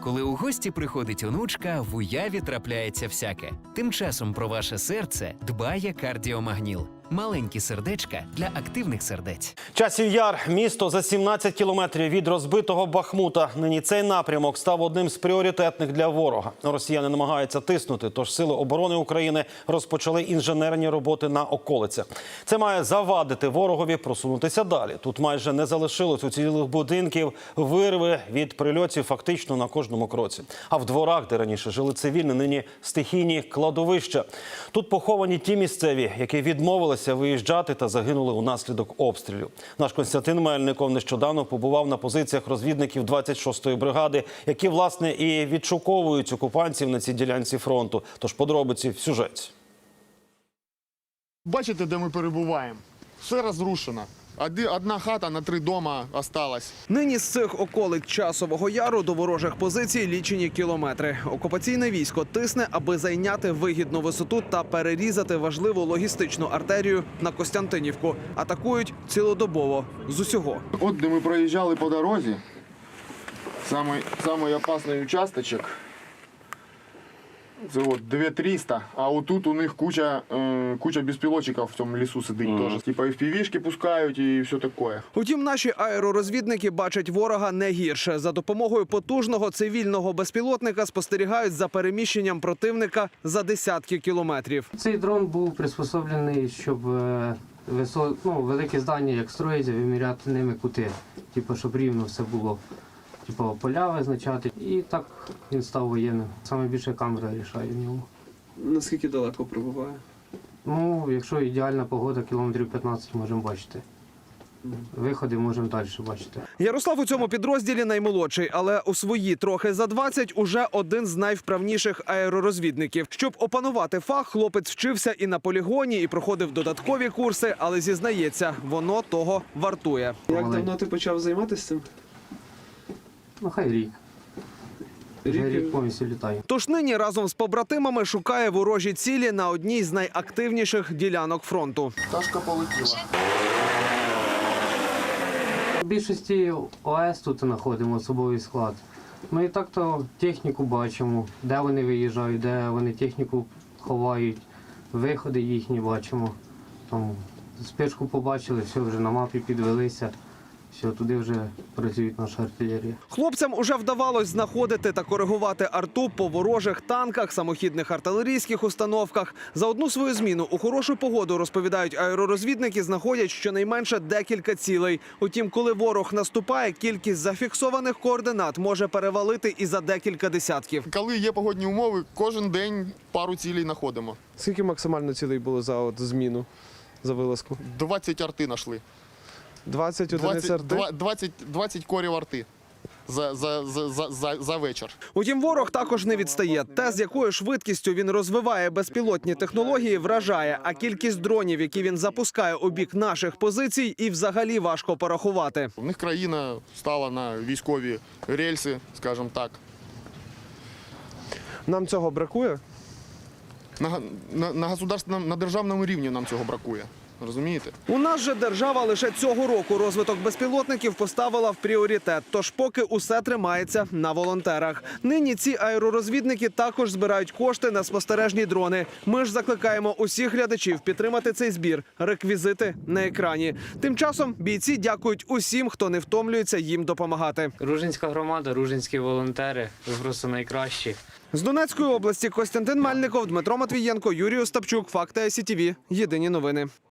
Коли у гості приходить онучка, в уяві трапляється всяке. Тим часом про ваше серце дбає кардіомагніл. Маленькі сердечка для активних сердець. Часів Яр – місто за 17 кілометрів від розбитого Бахмута. Нині цей напрямок став одним з пріоритетних для ворога. Росіяни намагаються тиснути, тож Сили оборони України розпочали інженерні роботи на околицях. Це має завадити ворогові просунутися далі. Тут майже не залишилось уцілілих будинків, вирви від прильотів фактично на кожному кроці. А в дворах, де раніше жили цивільні, нині стихійні кладовища. Тут поховані ті місцеві, які відмовилися виїжджати та загинули унаслідок обстрілів. Наш Костянтин Мельников нещодавно побував на позиціях розвідників 26-ї бригади, які, власне, і відшуковують окупантів на цій ділянці фронту. Тож подробиці в сюжеті. Бачите, де ми перебуваємо? Все розрушено. Одна хата на 3 дома осталась. Нині з цих околиць Часового Яру до ворожих позицій лічені кілометри. Окупаційне військо тисне, аби зайняти вигідну висоту та перерізати важливу логістичну артерію на Костянтинівку. Атакують цілодобово з усього. От де ми проїжджали по дорозі, самий опасний участочок. Це от 2300, а отут у них куча безпілотчиків в цьому лісу сидить теж. Типа FPV-шки пускають і все таке. Утім, наші аеророзвідники бачать ворога не гірше. За допомогою потужного цивільного безпілотника спостерігають за переміщенням противника за десятки кілометрів. Цей дрон був приспособлений, щоб великі здання, як строїться, виміряти ними кути. Типу, щоб рівно все було. Типу, поля визначати. І так він став воєнним. Саме більше камера рішає в ньому. Наскільки далеко прибуває? Ну, якщо ідеальна погода, кілометрів 15 можемо бачити. Виходи можемо далі бачити. Ярослав у цьому підрозділі наймолодший, але у свої трохи за 20 уже один з найвправніших аеророзвідників. Щоб опанувати фах, хлопець вчився і на полігоні, і проходив додаткові курси, але зізнається, воно того вартує. Як давно ти почав займатися цим? Ну, хай рік. Вже рік повністю літаю. Тож нині разом з побратимами шукає ворожі цілі на одній з найактивніших ділянок фронту. Пташка полетіла. В більшості ОС тут знаходимо особовий склад. Ми і так-то техніку бачимо, де вони виїжджають, де вони техніку ховають, виходи їхні бачимо. Там спичку побачили, все, вже на мапі підвелися. Все, туди вже працюють наша артилерія. Хлопцям уже вдавалось знаходити та коригувати арту по ворожих танках, самохідних артилерійських установках. За одну свою зміну у хорошу погоду, розповідають аеророзвідники, знаходять щонайменше декілька цілей. Утім, коли ворог наступає, кількість зафіксованих координат може перевалити і за декілька десятків. Коли є погодні умови, кожен день пару цілей знаходимо. Скільки максимально цілей було за зміну, за вилазку? 20 арти знайшли. 20 одиниць арти? 20 корів арти за вечір. Утім, ворог також не відстає. Те, з якою швидкістю він розвиває безпілотні технології, вражає. А кількість дронів, які він запускає у бік наших позицій, і взагалі важко порахувати. У них країна стала на військові рельси, скажімо так. Нам цього бракує? На державному рівні нам цього бракує. Розумієте? У нас же держава лише цього року розвиток безпілотників поставила в пріоритет. Тож поки усе тримається на волонтерах. Нині ці аеророзвідники також збирають кошти на спостережні дрони. Ми ж закликаємо усіх глядачів підтримати цей збір. Реквізити на екрані. Тим часом бійці дякують усім, хто не втомлюється їм допомагати. Ружинська громада, ружинські волонтери, ви просто найкращі. З Донецької області Костянтин Мельников, Дмитро Матвієнко, Юрій Остапчук. Факти ICTV. Єдині новини.